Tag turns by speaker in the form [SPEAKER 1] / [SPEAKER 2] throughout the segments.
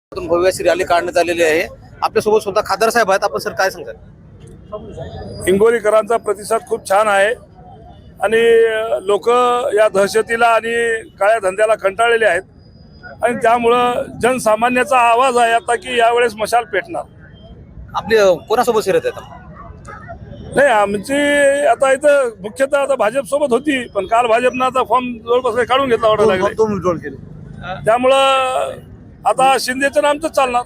[SPEAKER 1] भव्य अशी रॅली काढण्यात आलेली आहे। आपल्यासोबत स्वतः खासदार साहेब आहेत। आपण सर काय सांगताल?
[SPEAKER 2] हिंगोलीकरांचा प्रतिसाद खूप छान आहे आणि लोक या दहशतीला आणि काळ्या धंद्याला कंटाळलेले आहेत आणि त्यामुळं जनसामान्याचा आवाज आहे आता की यावेळेस मशाल पेटणार।
[SPEAKER 1] आपली कोणासोबत शिरत आहेत?
[SPEAKER 2] नाही, आमची आता इथं मुख्यतः आता भाजप सोबत होती, पण काल भाजपनं आता फॉर्म जवळपास काढून घेतला वाटायला लागले। त्यामुळं आता शिंदेचं नामच चालणार।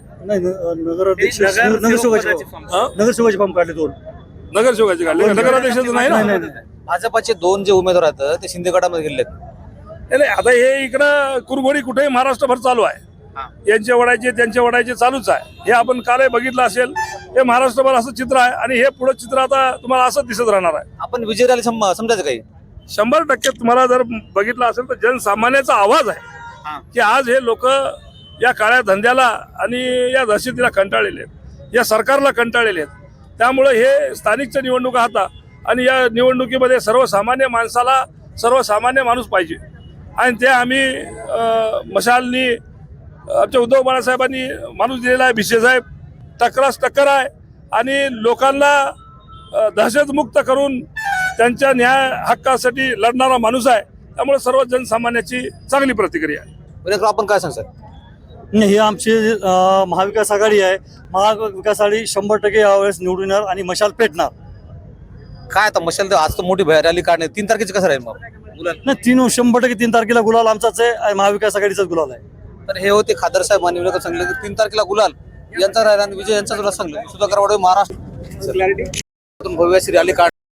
[SPEAKER 3] नगरसेवकाचे फॉर्म काढले दोन।
[SPEAKER 2] नगरसेवकाचे काढले, नगराध्यक्षाचं नाही ना।
[SPEAKER 1] भाजपाचे दोन जे उमेदवार आहेत ते शिंदे गटामध्ये गेलेत।
[SPEAKER 2] नाही, आता हे इकडं कुरघोडी कुठेही महाराष्ट्रभर चालू आहे। यांचे वडायचे त्यांचे वडायचे चालूच आहे। हे आपण कालही बघितलं असेल, हे महाराष्ट्रभर असं चित्र आहे आणि हे पुढे चित्र आता तुम्हाला असंच दिसत राहणार आहे।
[SPEAKER 1] आपण विजय रॅली समजायचं काही
[SPEAKER 2] 100% तुम्हाला जर बघितलं असेल तर जनसामान्याचा आवाज आहे की आज हे लोक या काळ्या धंद्याला आणि या दहशतीला कंटाळलेले आहेत, या सरकारला कंटाळलेले आहेत। त्यामुळे हे स्थानिकच्या निवडणुका आता आणि या निवडणुकीमध्ये सर्वसामान्य माणसाला सर्वसामान्य माणूस पाहिजे आणि ते आम्ही मशालनी आमच्या उद्धव बाळासाहेबांनी माणूस दिलेला आहे। भिसे साहेब टक्कर आहे आणि लोकांना दहशतमुक्त करून त्यांच्या न्याय हक्कासाठी लढणारा माणूस आहे। त्यामुळे सर्व जनसामान्याची चांगली प्रतिक्रिया आहे।
[SPEAKER 1] आपण काय सांगतात?
[SPEAKER 3] ही आमची महाविकास आघाडी आहे। महाविकास आघाडी 100% यावेळेस निवडून येणार आणि मशाल पेटणार।
[SPEAKER 1] काय आता मशाल आज तर मोठी रॅली काढणे 3 तारखेची कसं राहील? मग गुलाल
[SPEAKER 3] नाही, 100% 3 तारखेला गुलाल आमचाच आहे आणि महाविकास आघाडीचाच गुलाल आहे।
[SPEAKER 1] तर हे होते खासदार साहेब माननीय सांगले की 3 तारखेला गुलाल यांचा राहिला आणि विजय यांचा तुला सांगलं सुधाकर वाडे महाराष्ट्र भव्य अशी रॅली काढ